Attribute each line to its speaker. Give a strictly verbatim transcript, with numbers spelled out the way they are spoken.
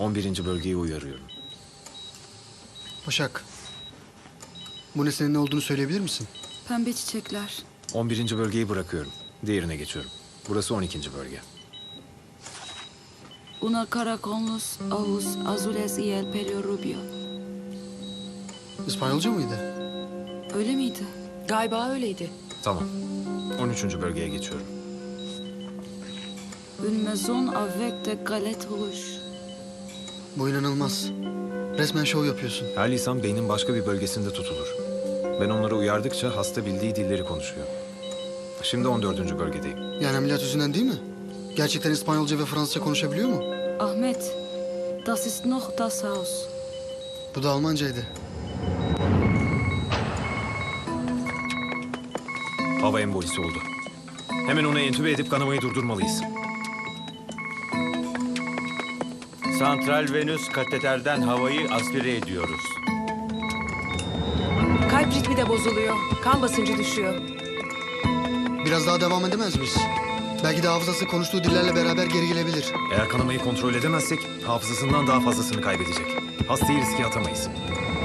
Speaker 1: on birinci bölgeyi uyarıyorum.
Speaker 2: Başak. Bu nesnenin ne olduğunu söyleyebilir misin?
Speaker 3: Pembe çiçekler.
Speaker 1: on birinci bölgeyi bırakıyorum. Diğerine geçiyorum. Burası on ikinci bölge.
Speaker 3: Una caracolus ojos azules y el pelo rubio.
Speaker 2: İspanyolca mıydı?
Speaker 3: Öyle miydi?
Speaker 4: Galiba öyleydi.
Speaker 1: Tamam. on üçüncü bölgeye geçiyorum.
Speaker 3: Une maison avec de galettes rouges.
Speaker 2: Bu inanılmaz. Resmen şov yapıyorsun.
Speaker 1: Her lisan beynin başka bir bölgesinde tutulur. Ben onları uyardıkça hasta bildiği dilleri konuşuyor. Şimdi on dördüncü bölgedeyim.
Speaker 2: Yani ameliyat yüzünden değil mi? Gerçekten İspanyolca ve Fransızca konuşabiliyor mu?
Speaker 3: Ahmet, das ist noch das Haus.
Speaker 2: Bu da Almancaydı.
Speaker 1: Hava embolisi oldu. Hemen onu entübe edip kanamayı durdurmalıyız.
Speaker 5: Santral venöz kateterden havayı aspire ediyoruz.
Speaker 4: Kalp ritmi de bozuluyor. Kan basıncı düşüyor.
Speaker 2: Biraz daha devam edemez miyiz? Belki de hafızası konuştuğu dillerle beraber geri gelebilir.
Speaker 1: Eğer kanamayı kontrol edemezsek hafızasından daha fazlasını kaybedecek. Hastayı riske atamayız.